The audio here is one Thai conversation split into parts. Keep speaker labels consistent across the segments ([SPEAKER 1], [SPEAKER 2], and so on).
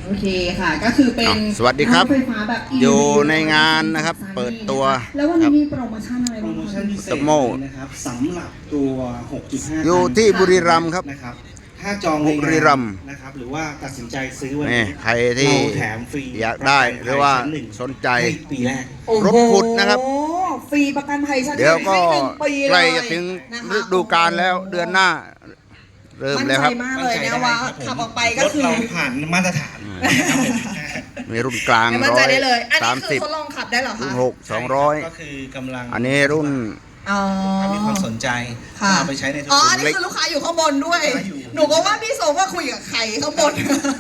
[SPEAKER 1] โอเคค่ะก็คือเป็น
[SPEAKER 2] สวัสดีครับ
[SPEAKER 1] ไฟฟ้าแบบ
[SPEAKER 2] อยู่ในงานนะครับเปิดตัว
[SPEAKER 1] แล้ววันนี้มีโปรโมชั่นอะไร
[SPEAKER 3] โปร
[SPEAKER 1] บ้าง
[SPEAKER 3] โมชั่นพิเศษนะครับสำหรับตัว 6.5
[SPEAKER 2] อยู่ที่บุรีรัมย์ครับ
[SPEAKER 3] นะครับถ้าจองใน
[SPEAKER 2] บุรีรัมย์
[SPEAKER 3] นะครับหรือว่าตัดสินใจซื้อวัน
[SPEAKER 2] นี่
[SPEAKER 3] นี้
[SPEAKER 2] ใครที่
[SPEAKER 3] เราแถมฟรี
[SPEAKER 2] อยากได้หรือว่า
[SPEAKER 3] ชั้นหนึ่ง
[SPEAKER 2] สนใจ
[SPEAKER 3] ให้ปีแรก
[SPEAKER 2] รถขุดนะครับ
[SPEAKER 1] โอ้โหฟรีประกันภัยชั้น
[SPEAKER 2] เดี๋ยวก็
[SPEAKER 1] ให้1 ปี
[SPEAKER 2] ใก
[SPEAKER 1] เล
[SPEAKER 2] ล้
[SPEAKER 1] ย
[SPEAKER 2] จะถึง
[SPEAKER 1] นะคะ
[SPEAKER 2] ฤดูกาลแล้วเดือนหน้า เริ่ม
[SPEAKER 1] มั่น
[SPEAKER 2] แล้ว
[SPEAKER 1] ใจ
[SPEAKER 2] ครับ
[SPEAKER 1] มากเลยนะว่าขับออกไปก็
[SPEAKER 3] รถ
[SPEAKER 1] คือ
[SPEAKER 3] เราผ่านมาตรฐานนะครับผม
[SPEAKER 2] มีรุ่นกลาง
[SPEAKER 1] มั่นใจได้เลย อันนี้คือ
[SPEAKER 2] 130
[SPEAKER 1] ทดลองขับได้เหรอ
[SPEAKER 2] รุ่
[SPEAKER 1] คะ
[SPEAKER 2] น6 200
[SPEAKER 3] ก็คือกำลัง
[SPEAKER 2] อันนี้รุ่น
[SPEAKER 1] อ๋อ
[SPEAKER 3] ถ้ามีความสนใจ
[SPEAKER 1] ค่ะ
[SPEAKER 3] เอาไปใช้ในธุร
[SPEAKER 1] อ๋อ
[SPEAKER 3] กิ
[SPEAKER 1] อั
[SPEAKER 3] จ
[SPEAKER 1] นนี้คือลูกค้าอยู่ข้างบนด้วย
[SPEAKER 3] ลูกค้าอยู่
[SPEAKER 1] หนูก็ว่าพี่โซว่าคุยกับใครข้างบน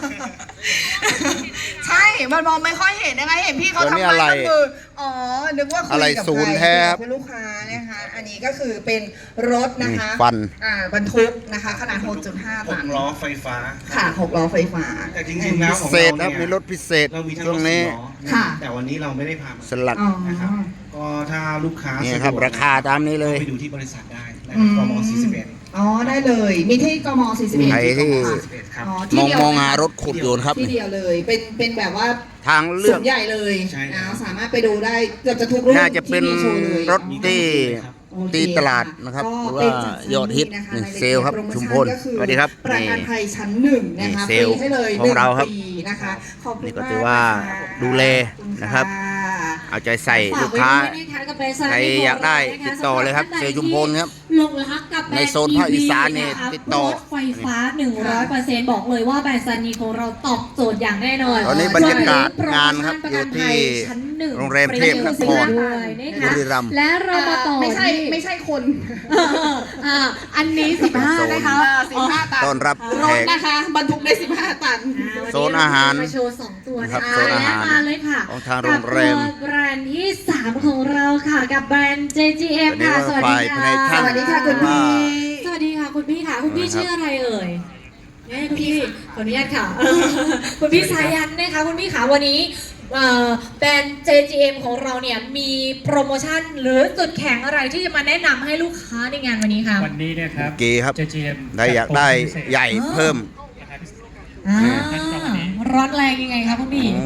[SPEAKER 1] ใช่ มันมองไม่ค่อยเห็นยังไงเห็นพี่เขา
[SPEAKER 2] ตัวนี้
[SPEAKER 1] ทำ
[SPEAKER 2] อะไร
[SPEAKER 1] ไมก็คือ อ๋อ นึกว่าคุย
[SPEAKER 2] อะไร
[SPEAKER 1] กับ
[SPEAKER 2] ศูนย์
[SPEAKER 1] ใคร
[SPEAKER 2] แท้ครับ
[SPEAKER 1] คุณลูกค้านะคะ อันนี้ก็คือเป็นรถนะคะ
[SPEAKER 2] ฟัน
[SPEAKER 1] บรรทุกนะคะ ขนาด 6.5 ตัน
[SPEAKER 3] 6 ล้อไฟฟ้า
[SPEAKER 1] ค่ะ 6 ล้อไฟฟ้า
[SPEAKER 3] แต่จริงๆแล้ว
[SPEAKER 2] พิ
[SPEAKER 3] ของ
[SPEAKER 2] เศษ
[SPEAKER 3] เรา
[SPEAKER 2] ครับมี
[SPEAKER 3] เนี่ย
[SPEAKER 2] รถพิเศษ
[SPEAKER 3] เรามีทั้ง
[SPEAKER 2] ช่
[SPEAKER 3] ร
[SPEAKER 2] ว
[SPEAKER 3] ถ
[SPEAKER 2] ง
[SPEAKER 3] สี่
[SPEAKER 2] นี้
[SPEAKER 3] ล้อ
[SPEAKER 1] ค่ะ
[SPEAKER 3] แต่วันนี้เราไม่ได้พามา
[SPEAKER 2] สลัด
[SPEAKER 1] อ๋อ
[SPEAKER 3] นะครับก็ถ้าลูกค้า
[SPEAKER 2] นี่ครับ
[SPEAKER 3] สะดวก
[SPEAKER 2] ราคาตามนี้เลย
[SPEAKER 3] ไปดูที่บริษัทได้นะครับกม41
[SPEAKER 1] อ๋อ ได้เลย มีที่กม 41
[SPEAKER 2] ใครที่
[SPEAKER 3] 41ครับ
[SPEAKER 1] อ๋อ
[SPEAKER 2] ม
[SPEAKER 1] ที่
[SPEAKER 2] อง
[SPEAKER 1] เดียว
[SPEAKER 2] มองหารถขุดอยู่นะครับ
[SPEAKER 1] ที่เดียวเลย เป็นแบบว่า
[SPEAKER 2] ทางเลื
[SPEAKER 1] ส
[SPEAKER 2] อก
[SPEAKER 1] วนใหญ่เลย
[SPEAKER 3] ใช่ครับ
[SPEAKER 1] นะสามารถไปดูได้เกือบจะทุกรุ่น
[SPEAKER 2] น่าจะเป็น
[SPEAKER 1] ที่มีโชว์เลย
[SPEAKER 2] รถที่
[SPEAKER 1] โอเค
[SPEAKER 2] ตีตลาดนะครับ
[SPEAKER 1] ก็
[SPEAKER 2] หรือ
[SPEAKER 1] เป็น
[SPEAKER 2] ว่า
[SPEAKER 1] จัด
[SPEAKER 2] ยอดฮิต
[SPEAKER 1] นะคะ
[SPEAKER 2] นี่
[SPEAKER 1] รายละเอียด
[SPEAKER 2] เซลล์ครับ
[SPEAKER 1] โปรโม
[SPEAKER 2] ชุม
[SPEAKER 1] ชั่น
[SPEAKER 2] พล
[SPEAKER 1] ก็คือ
[SPEAKER 2] สวัสดีครับ
[SPEAKER 1] ประ
[SPEAKER 2] นี่
[SPEAKER 1] กันภัยชั้น 1นะคะ
[SPEAKER 2] นี่เซ
[SPEAKER 1] ฟ
[SPEAKER 2] ลล์
[SPEAKER 1] รีให้เลย
[SPEAKER 2] ของเราครับ
[SPEAKER 1] 1 ปีนะคะขอบคุณ
[SPEAKER 2] นี่ก็
[SPEAKER 1] มาก
[SPEAKER 2] ถือว่า
[SPEAKER 1] นะคะ
[SPEAKER 2] ดูแล
[SPEAKER 1] ขอณ
[SPEAKER 2] นะครับ
[SPEAKER 1] ะ
[SPEAKER 2] เอาใจใส่ลูกค้า ใครอยากได้ติดต่อเลยครับเซลล์ชุมพลครับ
[SPEAKER 4] ลงรักกับแบรนด์
[SPEAKER 2] ในโซนภาคอีสานนี่
[SPEAKER 4] ะคะ
[SPEAKER 2] ติดต่อ
[SPEAKER 4] รถไฟฟ้า 100%บอกเลยว่าแบรนด์ซานีของเราตอบโจทย์อย่างแน่นอน
[SPEAKER 2] ตอนนี้บรรยากาศงานครับอยู่ที่
[SPEAKER 4] ชั้นหนึ่ง
[SPEAKER 2] โรงแรมเทพนคร
[SPEAKER 4] ด้วยนะคะ
[SPEAKER 2] บุรีรัมย์
[SPEAKER 4] และเรามาต่อ
[SPEAKER 1] ไม่ใช่
[SPEAKER 4] ที่
[SPEAKER 1] ไม่ใช่คน
[SPEAKER 4] อ่าอันนี้15นะคะ
[SPEAKER 1] 15 ตัน
[SPEAKER 2] ต้อนรับ
[SPEAKER 1] ร
[SPEAKER 2] แข
[SPEAKER 1] ถ
[SPEAKER 2] ก
[SPEAKER 1] นะคะบรรทุกได้ 15 ตัน
[SPEAKER 2] โซนอาหาร
[SPEAKER 4] มาโชว์2ตัว
[SPEAKER 2] ครับ
[SPEAKER 4] นะคะ
[SPEAKER 2] โซนอาหาร
[SPEAKER 4] และมาเลยค่ะ
[SPEAKER 2] ของทางโรงแรม
[SPEAKER 4] กับตัวแบรนด์ที่ 3 ของเราค่ะ กับแบรนด์ JGM
[SPEAKER 2] ตัวนี้
[SPEAKER 4] ค่ะ
[SPEAKER 2] ว่า
[SPEAKER 4] สวัส
[SPEAKER 2] ฝ่าย
[SPEAKER 4] ดี
[SPEAKER 2] ภายใน
[SPEAKER 4] ค่ะ
[SPEAKER 2] ช่าง
[SPEAKER 1] สวัสดีค่ะคุณพี่
[SPEAKER 4] สวัสดีค่ะคุณพี่ค่ะ คุณพี่ชื่ออะไรเอ่ยเนี่ยคุณพี่ขออนุญาตค่ะ คุณพี่สายันนะคะคุณพี่ขาวันนี้แบรนด์ JGM ของเราเนี่ยมีโปรโมชั่นหรือจุดแข็งอะไรที่จะมาแนะนำให้ลูกค้าในงานวันนี้คะ
[SPEAKER 5] วันนี้เนี่ยครับ
[SPEAKER 2] เก๋ครับ
[SPEAKER 5] JGM
[SPEAKER 2] ได้อยากได้ใหญ่เพิ่ม
[SPEAKER 4] อ่าร้อนแรงยังไงคะคุณพี่
[SPEAKER 2] โอ้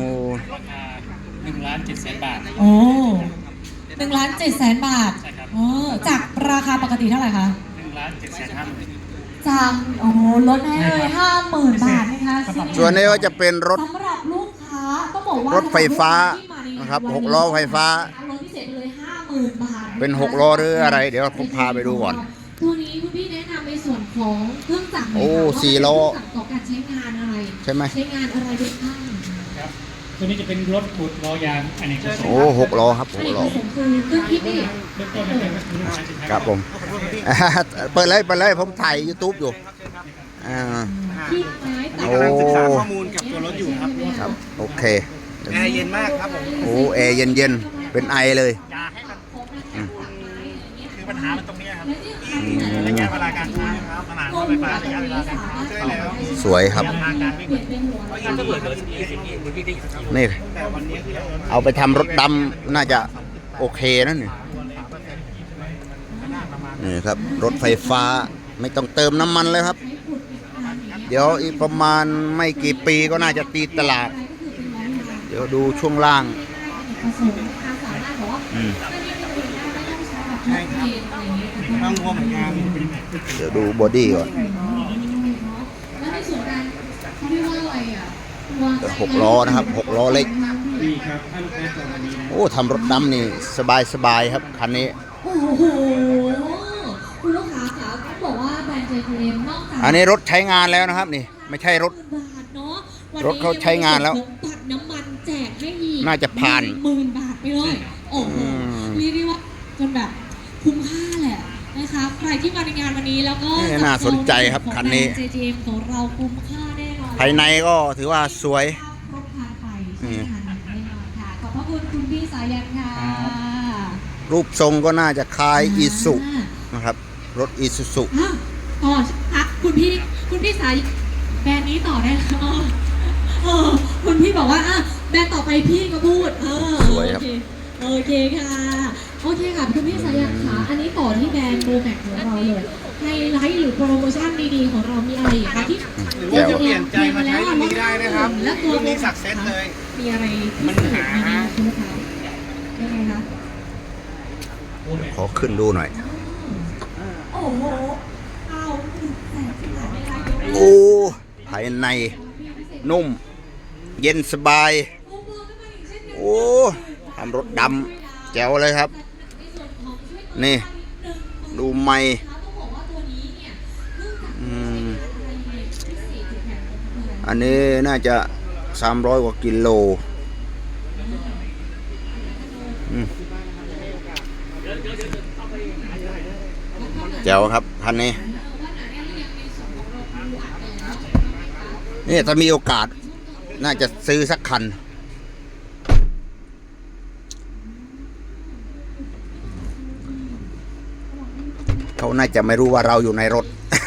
[SPEAKER 5] 1,700,000 บาท
[SPEAKER 4] โอ้1,700,000 บาท
[SPEAKER 5] ใช่ครับ
[SPEAKER 4] โอ้จากราคาปกติเท่าไหร่คะ
[SPEAKER 5] 1,750,000
[SPEAKER 4] จากโอ้โหลดให้เลย50,000 บาทนะคะ
[SPEAKER 2] ส่วนนี้ก็จะเป็นรถ
[SPEAKER 4] สำหรับลูกค้าต้องบอกว่าร
[SPEAKER 2] ถไฟฟ้านะครับ6 ล้อไฟฟ้า
[SPEAKER 4] ลดพิเศษไปเลย50,000 บาทะคะ
[SPEAKER 2] เป็น6 ล้อหรืออะไร เดี๋ยวผมพาไปดูก่อน
[SPEAKER 4] ตัวนี้คุณพี่แนะนำในส่วนของเครื่องจักรหน่ย
[SPEAKER 2] โอ้
[SPEAKER 4] ค่ะว่า
[SPEAKER 2] 4 ล้อ
[SPEAKER 4] เครื่องจักรต่อการใช้งานอะไร
[SPEAKER 2] ใช่ไหม
[SPEAKER 4] ใช้งานอะไรได้บ้าง
[SPEAKER 5] ครับ ตัวนี้จะเป็นรถขุดล้อยางอันนี้ก็
[SPEAKER 2] โอ้6 ล้อครับ
[SPEAKER 4] อันนี้
[SPEAKER 2] 6 ล้อ
[SPEAKER 4] คือผมคือเครื่องคิดนี่
[SPEAKER 5] เริ่มต้นเป็น1,750,000
[SPEAKER 2] ครับผม เปิดเลยผมถ่าย YouTube อยู่อ่า
[SPEAKER 4] ที่ไม้ตัด
[SPEAKER 2] โอ้
[SPEAKER 3] กำลังศึกษาข้อมูลกับตัวรถอยู่ครับ
[SPEAKER 2] ครับโอเค
[SPEAKER 3] แอร์เย็นมากครับผม
[SPEAKER 2] โอ้แอร์เย็นๆเป็นไอเลย
[SPEAKER 5] คือปัญหามันตรงนี้ครับ
[SPEAKER 2] อืม
[SPEAKER 5] ระยะเวลาการใช้ครับขนาดรถไฟฟ้าระยะเวลาการใช้แล้ว
[SPEAKER 2] สวยครับ
[SPEAKER 5] ทางการวิ่ง
[SPEAKER 4] เปลี่ยนเป็นหัว
[SPEAKER 5] ถ้าเกิดเหลือ20 20ที่
[SPEAKER 2] นี่
[SPEAKER 3] แต่วันนี้คือ
[SPEAKER 2] เอาไปทำรถดำน่าจะโอเคนะนี่นี่ครับ รถไฟฟ้าไม่ต้องเติมน้ำมันเลยครับ เดี๋ยวอีกประมาณไม่กี่ปีก็น่าจะตีตลาด เดี๋ยวดูช่วงล่าง
[SPEAKER 4] ผสมความสามารถบอกว่า
[SPEAKER 2] อืม
[SPEAKER 4] ไม่ได้เป็นอะไรอย่างเงี้ย
[SPEAKER 3] ต้องรวมเหมือนกัน
[SPEAKER 2] เดี๋ยวดูบอดี้ก่อน
[SPEAKER 4] แล้วในส่วนการเขาเรียกว่าอะไรอ่ะตัว
[SPEAKER 2] 6 ล้อนะครับ 6 ล้อเล็ก
[SPEAKER 3] นี่ครับถ้าลูกค้าจองวันนี้นะ
[SPEAKER 2] โอ้ทำรถดำนี่สบายครับคันนี้
[SPEAKER 4] โอ้โหคุณลูกค้าคะต้องบอกว่าแบรนด์ JPM นอกจาก
[SPEAKER 2] อันนี้รถใช้งานแล้วนะครับนี่ ไม่ใช่รถ
[SPEAKER 4] บาทเนาะวันนี้
[SPEAKER 2] รถเขาใช้งานแล้ว
[SPEAKER 4] บัตรน้ำมันแจกให้อีก
[SPEAKER 2] น่าจะผ่าน
[SPEAKER 4] 10,000 บาทไปเลยโอ้โห
[SPEAKER 2] อืม
[SPEAKER 4] เรียกได้ว่าจนแบบคุ้มค่าแหละนะคะใครที่มาในงานวันนี้แล้วก็
[SPEAKER 2] นี่น่าสนใจครับคันนี้
[SPEAKER 4] ของแบรด์ JPM ของเราคุ้มค่าแน่นอน
[SPEAKER 2] ภายในก็ถือว่าสวย
[SPEAKER 4] ครบครันไปใช่ไหมคะแน่นอนค่ะขอบพระคุณคุณพี่สายันค่ะ
[SPEAKER 2] รูปทรงก็น่าจะคล้ายอีสุนะครับ รถอีซูซุ
[SPEAKER 4] อ่ะต่ออ่ะคุณพี่สายแบรนด์นี้ต่อได้แล้วคุณพี่บอกว่าอ่ะแบรนด์ต่อไปพี่ก็พูด
[SPEAKER 2] สวยครับ
[SPEAKER 4] โอเคค่ะโอเคค่ะคุณพี่สายันค่ะอันนี้ต่อที่แบรนด์โบแม็กของเราเลยไฮไลท์หรือโปรโมชั่นดีๆของเรามีอะไรอีกคะที่
[SPEAKER 5] หรือว่าจะเปลี่ยนใจมาใช้รุ่นนี้ได้นะครับ
[SPEAKER 4] และตัว
[SPEAKER 5] รุ่นนี้สักเซสเลย
[SPEAKER 4] มีอะไรพิเศษไหมคะคุณลูกค้ายังไงคะ
[SPEAKER 2] ขอขึ้นดูหน่อย
[SPEAKER 4] โอ้โหเอาแสนสิบบาทไม่ได้
[SPEAKER 2] โอ้ภายในนุ่ม เย็นสบาย โอ้ทำรถดำแจ๋วเลยครับ นี่ ดูไม่อันนี้น่าจะ300 กว่ากิโลแจ๋วครับคันนี้นี่ถ้ามีโอกาส น่าจะซื้อสักคัน เขาน่าจะไม่รู้ว่าเราอยู่ในรถ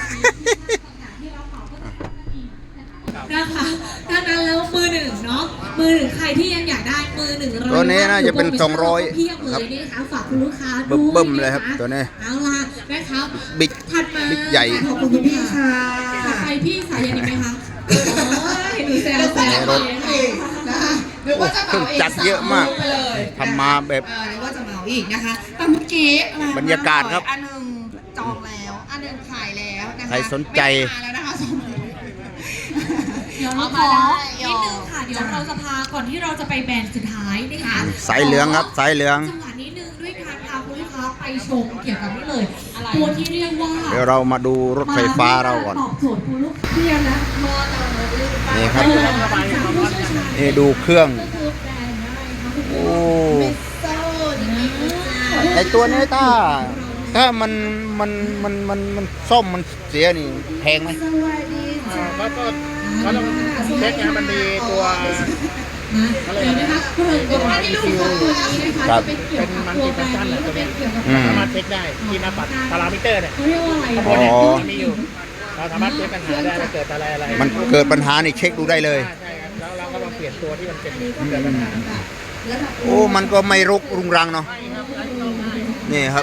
[SPEAKER 4] นะคะดังนั้นแล้วมือหนึ่งเนาะมือหนึ่งใครที่ยังอยากได้มือหนึ่ง
[SPEAKER 2] ตัวนี้น่าจะเป็น200
[SPEAKER 4] เพียบเลยนะคะฝากคุณลูกค้าด้วย
[SPEAKER 2] เบิ่มๆเลยครับตัวนี้
[SPEAKER 4] เอาล่ะนะครับ
[SPEAKER 2] บิ๊ก
[SPEAKER 4] ถัดมา
[SPEAKER 2] บิ๊กใหญ่
[SPEAKER 1] ขอบคุณคุณพี่ค่ะ
[SPEAKER 4] ถัดไปพี่สายันอีกไหมคะโอ้ยหนูแซวแซว
[SPEAKER 2] รถ
[SPEAKER 1] นะคะหรือว่าจะเหมาเอง
[SPEAKER 2] จัดเยอะมาก
[SPEAKER 1] ไปเลย
[SPEAKER 2] ทำมาแบบ
[SPEAKER 1] หรือว่าจะเหมาอีกนะคะแต่เมื่อกี้ม
[SPEAKER 2] บรรยากาศครับ
[SPEAKER 1] อันหนึงจองแล้วอันหนึงขายแล้วนะคะ
[SPEAKER 2] ใครสนใจ
[SPEAKER 1] ไม่มาแล้วนะคะสองคน
[SPEAKER 4] เดี๋ยวเราขอนิดนึงค่ะเดี๋ยวเราจะพาก่อนที่เราจะไปแบรนด์สุดท้ายนะคะ
[SPEAKER 2] สายเหลืองครับสายเหลือง
[SPEAKER 4] จังหวะนิดนึงด้วยการพาคุณลูกค้าไปชมเกี่ยวกับนี่เลยตัวที่เรียกว่า
[SPEAKER 2] เดี๋ยวเรามาดูรถไฟฟ้าเราก่อน
[SPEAKER 4] ตอบโจทย์คุณลูกเพียงนะมอเตอร์
[SPEAKER 2] นี่ครับ
[SPEAKER 4] ผู้เชี่ยวชาญ
[SPEAKER 2] นี่ดูเครื่อง
[SPEAKER 4] ก็คือแบรนด์อะไรคะ
[SPEAKER 2] โอ้
[SPEAKER 1] โซ่ดีๆ
[SPEAKER 2] ไอตัวนี้ถ้ามันซ่อมมันเสียนี่แพงไหม
[SPEAKER 5] ก็ต้องเช็คนะมันมีตัว
[SPEAKER 4] เดี๋ยวนะคะเกริ่นก่อนว่าที่ลูกค้าตัวนี้นะคะจะเป็นเกี่ยวกับตัวแบรนด์นี้จะเป็นเกี่ยวกับ
[SPEAKER 5] สามารถเช็คได้ที่หน้าปัดพารามิเตอร์เนี่ย
[SPEAKER 4] เขาเรียกว่าอะไร
[SPEAKER 5] ข้างบนเนี่ยมันมีอยู่ เราสามารถเช็คปัญหาได้ว่าเกิดอะไร
[SPEAKER 2] มันเกิดปัญหานี่เช็คดูได้เลย
[SPEAKER 5] ใช่ครับแล้วเราก็มาเปลี่ยนตัวที่มันเป็นเกิดปัญหา
[SPEAKER 2] โอ้มันก็ไม่รกรุงรังเนาะนี่ครับ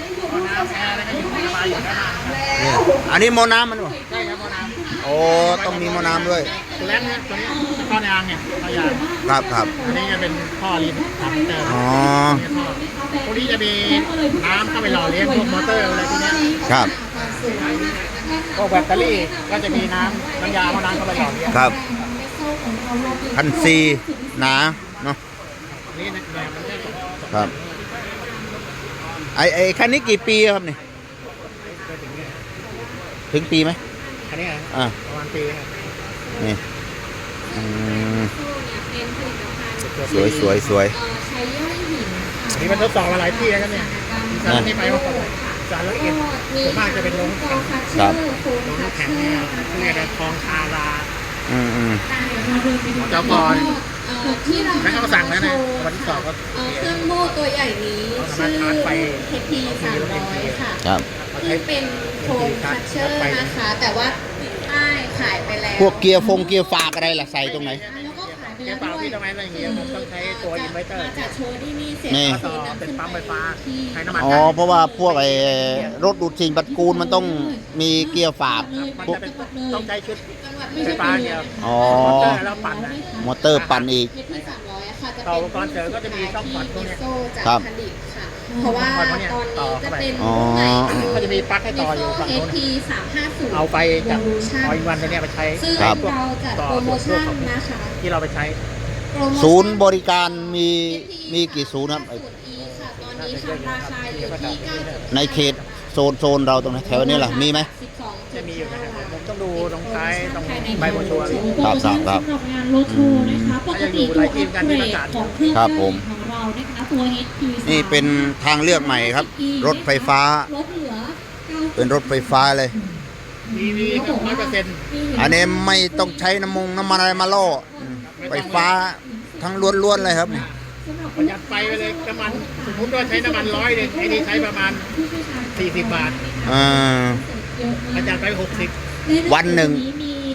[SPEAKER 2] นี่อันนี้หมอน้ำมันวะ
[SPEAKER 5] ใช่ครับพ่อน้ำ
[SPEAKER 2] โอ้ต้องมีหมอน้ำด้วย
[SPEAKER 5] ตัวแรกเนี่ยตัวนี้ท่อยางเนี่ยท่อยาง
[SPEAKER 2] ครับ
[SPEAKER 5] อันนี้จะเป็นท่อรีดพารามิเตอร์
[SPEAKER 2] อ๋อ
[SPEAKER 5] พวกนี้จะมีน้ำเข้าไปหล่อเลี้ยงพวกมอเตอร์อะไรพวกเนี้ย
[SPEAKER 2] ครับ
[SPEAKER 5] พวกแบตเตอรี่ก็จะมีน้ำยาพวกน้ำเข้าไปหล่อเลี้ยง
[SPEAKER 2] ครับพันซีหนาเนาะ
[SPEAKER 5] นี่นะเนี่ยมันจะ
[SPEAKER 2] ครับไอคันนี้กี่ปีครับนี่ถึงปีไหม
[SPEAKER 5] อันนี้
[SPEAKER 2] อ่า
[SPEAKER 5] ประมาณปีครับ
[SPEAKER 2] นี่อืมสวย
[SPEAKER 4] ใช้ย่อยหิน
[SPEAKER 5] อันนี้มันทดสอบมาหลายที่แล้วครับเนี่ยสารที่ไปว่าสารละเอียดส่วนมากจะเป็นลงแข็ง
[SPEAKER 2] ครับ
[SPEAKER 5] ลงแข็งเนี่ยเรียกว่าทองคารา
[SPEAKER 2] อืม
[SPEAKER 5] เจ้าก่อน
[SPEAKER 6] ที่เรา
[SPEAKER 5] แล้วเขาสั่งแล้วนะวันที่สองก็
[SPEAKER 6] เครื่องโม่ตัวใหญ่นี้ชื่อ HP 300 ค่ะ
[SPEAKER 2] ครับ
[SPEAKER 6] ที่เป็นโคมคัชเชอร์นะคะ แต่ว่าใช่ขายไปแล้ว
[SPEAKER 2] พวกเกียร์ฝากอะไรล่ะใส่ตรงไหน
[SPEAKER 6] แล้วก็ขายไป
[SPEAKER 5] เกี่
[SPEAKER 6] แล้
[SPEAKER 5] ยว วเปล่า
[SPEAKER 6] ด้วย
[SPEAKER 5] ที่ทำไมอะไรอย่างเงี้ยมันต้องใช้ตัวอินเวอร์เตอร์
[SPEAKER 6] มาจากโชว์ที่นี่เสร็จ
[SPEAKER 2] นี่
[SPEAKER 5] ต่อเป็นปั๊มไฟฟ้าใช้น้ำมัน
[SPEAKER 2] อ๋อเพราะว่าพวกไอ้รถดูดสิ่งปฏิกูลมันต้องมีเกียร์ฝาก
[SPEAKER 5] มัน
[SPEAKER 2] พวก
[SPEAKER 5] จะเป็นต้องใช้ชุด
[SPEAKER 6] จังหวัด
[SPEAKER 5] ไฟฟ้าเนี่ย
[SPEAKER 2] อ๋อ
[SPEAKER 5] มอเตอร์แล้วปั่นนะ
[SPEAKER 2] มอเตอร์ปั่นอีก
[SPEAKER 6] HP 300อะค่ะจะ
[SPEAKER 5] ต่อ
[SPEAKER 6] เป็น
[SPEAKER 5] อุปกรณ์เสริมก็จะมีช่องพอร์ตพวกเนี้ย
[SPEAKER 6] โซ่จาก
[SPEAKER 2] ครับ
[SPEAKER 6] ผลิตค่ะ เพราะว่าตอนนี้จะเป็น
[SPEAKER 2] อ๋อ
[SPEAKER 5] ก็จะมีปลั๊กให้ต่ออยู่ฝั่งโน้น
[SPEAKER 6] HP 350
[SPEAKER 5] เอาไปจาก
[SPEAKER 6] Evolution
[SPEAKER 5] ออยวันตัวเนี้ยไปใช้
[SPEAKER 6] ซึ่ง
[SPEAKER 2] ครับ
[SPEAKER 6] เราจัดโปรโมชั่นนะคะ
[SPEAKER 5] ที่เราไปใช้
[SPEAKER 6] โปรโมชั่
[SPEAKER 2] ศูนย์บริการมีกี่ศูนย์ครับ
[SPEAKER 6] ศูนย์ E ค่ะ ตอนนี้ทำราคาอยู่ที่9
[SPEAKER 2] ในเขตโซนเราตรงไหนแถวนี้ล่ะมีไหม
[SPEAKER 5] จะมีอยู่นะครับผมต้องดูตรงท้ายตรงใบโมชัวร์
[SPEAKER 2] ครับครับ
[SPEAKER 4] สำหรับงานรถโชว์นะคะปกติตัวอัปเกรดของเครื่อง
[SPEAKER 2] ครับผม
[SPEAKER 4] ของเรานะคะตัว HP
[SPEAKER 2] นี่เป็นทางเลือกใหม่ครับ รถไฟฟ้า
[SPEAKER 4] ลดเหลือ
[SPEAKER 2] เป็นรถไฟฟ้าเลย
[SPEAKER 5] มี100%
[SPEAKER 2] อันนี้ไม่ต้องใช้น้ำมันอะไรมาล่อไฟฟ้าทั้งล้วนๆเลยครับ
[SPEAKER 5] ประหยัดไฟไปเลยน้ำมันสมมติว่าใช้น้ำมัน100ไอ้นี่ใช้ประมาณ40 บาท
[SPEAKER 2] อ่า
[SPEAKER 5] ประหยัดไป60
[SPEAKER 2] วันหนึ่ง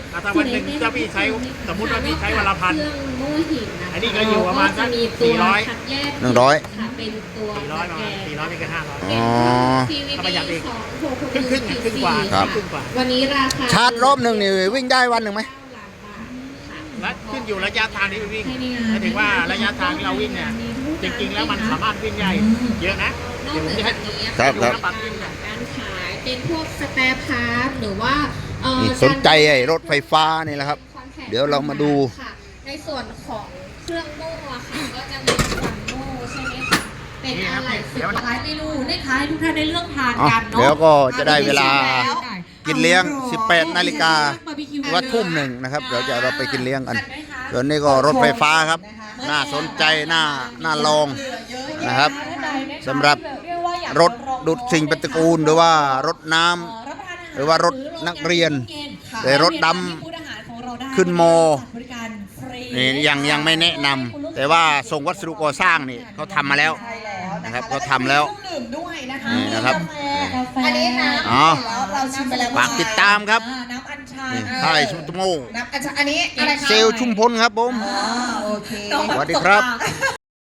[SPEAKER 5] ถ้าวันหนึ่งถ้าพี่ใช้สมมุติว่าพี่ใช้วันละพัน
[SPEAKER 6] เครื่องโม่หินนะคะ
[SPEAKER 5] อันนี้ก็อยู่ประมาณสัก
[SPEAKER 6] ก็จะมีตัว
[SPEAKER 5] 400
[SPEAKER 6] คัดแยก
[SPEAKER 2] 100
[SPEAKER 6] ค่ะเป็นตัว
[SPEAKER 5] 400 ประมาณ 400ไม่เกิน500
[SPEAKER 2] อ๋อ
[SPEAKER 5] เอาประหยัดอีก
[SPEAKER 6] ครึ่ง
[SPEAKER 5] ครึ่งกว่า
[SPEAKER 2] ครับ
[SPEAKER 5] ครึ่งกว่า
[SPEAKER 6] วันนี้ราคา
[SPEAKER 2] ชาร์จรอบหนึ่งนี่วิ่งได้วันหนึ่งไหม
[SPEAKER 5] และขึ้นอยู่ระยะทางที่วิ่งหมายถึงว่าระยะทางที่เราวิ่งเนี่ยจริงๆแล้วมันสามารถวิ่งได้เยอะนะ
[SPEAKER 6] นอก
[SPEAKER 5] เดี๋ยวผม
[SPEAKER 6] เหนือ
[SPEAKER 5] จะให้
[SPEAKER 6] จากนี้
[SPEAKER 2] ครับครับ
[SPEAKER 6] การขายเป็นพวกสแปร์พาร์ทหรือว่า
[SPEAKER 2] นี่สนใจไอ้รถไฟฟ้านี่แหละครับ เดี๋ยวเรามาดู
[SPEAKER 6] ค่ะในส่วนของเครื่องโม่อะค่ะก็จะมีควันโม่ใช่ไหมคะเป็นอะไร
[SPEAKER 5] เดี๋ยว
[SPEAKER 4] หลายเมนูนะคะให้ทุกท่านได้เลือกทาน
[SPEAKER 2] อ่ะ
[SPEAKER 4] กันเนาะ
[SPEAKER 2] เดี๋ยวก็จะได้เวลา
[SPEAKER 1] แล้ว
[SPEAKER 2] กินเลี้ยง 18 นาฬิกา
[SPEAKER 4] บาร์บีคิว
[SPEAKER 2] หรือว่าทุ่มหนึ่งนะครับ เดี๋ยวจะเราไปกินเลี้ยงกัน
[SPEAKER 4] ทันไหมคะ
[SPEAKER 2] ส่วนนี้ก็รถไฟฟ้าครับ น่าสนใจ น่าลองนะครับสำหรับรถดูดสิ่งปฏิกูลหรือว่ารถน้ำ หรือว่ารถนักเรียนแต่รถดำขึ้นม นี่ยังไม่แนะนำแต่ว่าส่งวัสดุก่อสร้างนี่เขาทำมาแล้ว
[SPEAKER 1] ใช่แล้ว
[SPEAKER 2] นะครับเขาทำแล้ว
[SPEAKER 1] เครื่องดื่มด้วยนะคะ
[SPEAKER 2] นี่นะครับ
[SPEAKER 1] กาแฟอันนี้น้ำ
[SPEAKER 2] อ๋อ
[SPEAKER 1] แล้วเราชิมไปแล้ว
[SPEAKER 2] ฝากติดตามครับ
[SPEAKER 1] น้ำอัญชัน
[SPEAKER 2] นี่ค่ายชุมโม
[SPEAKER 1] น้ำอัญชันอันนี้อะไรคะ
[SPEAKER 2] เซลล์ชุมพลครับผม
[SPEAKER 1] อ๋อโอเค
[SPEAKER 2] สวัสดีครับ